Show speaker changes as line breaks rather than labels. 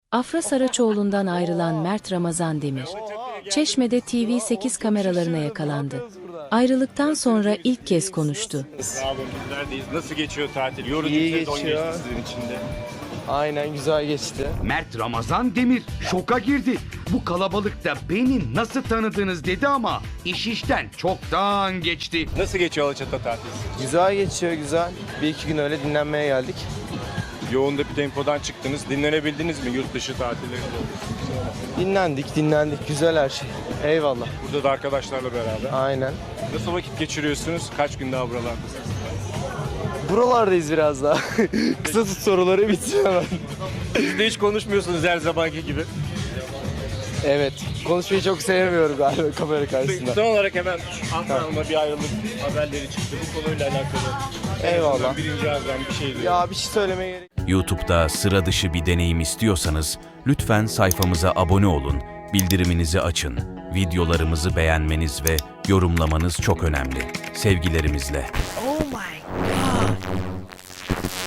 Afra Saraçoğlu'ndan ayrılan Mert Ramazan Demir, Çeşme'de TV8 kameralarına yakalandı. Ayrılıktan sonra ilk kez konuştu.
Sağ olun, bizlerdeyiz. Nasıl geçiyor tatil? Yorucu
İyi
bir sezon
geçiyor.
geçti sizin için de.
Aynen, güzel geçti.
Mert Ramazan Demir şoka girdi. Bu kalabalıkta beni nasıl tanıdınız dedi ama iş işten çoktan geçti.
Nasıl geçiyor Alaçatı tatil?
Güzel geçiyor, güzel. Bir iki gün öyle dinlenmeye geldik.
Yoğun da bir tempodan çıktınız. Dinlenebildiniz mi yurt dışı tatillerinde?
Dinlendik. Güzel her şey. Eyvallah.
Burada da arkadaşlarla beraber.
Aynen.
Nasıl vakit geçiriyorsunuz? Kaç gün daha buralardasınız?
Buralardayız biraz daha. Kısa tut soruları bitsin hemen.
Siz de hiç konuşmuyorsunuz her zamanki gibi.
Evet. Konuşmayı çok sevmiyorum galiba kamera karşısında.
Son olarak hemen Afra bir ayrılık haberleri çıktı. Bu konuyla alakalı.
Eyvallah.
Birinci ağızdan bir şey diyor.
Ya bir şey söylemeye gerek
YouTube'da sıra dışı bir deneyim istiyorsanız lütfen sayfamıza abone olun, bildiriminizi açın. Videolarımızı beğenmeniz ve yorumlamanız çok önemli. Sevgilerimizle.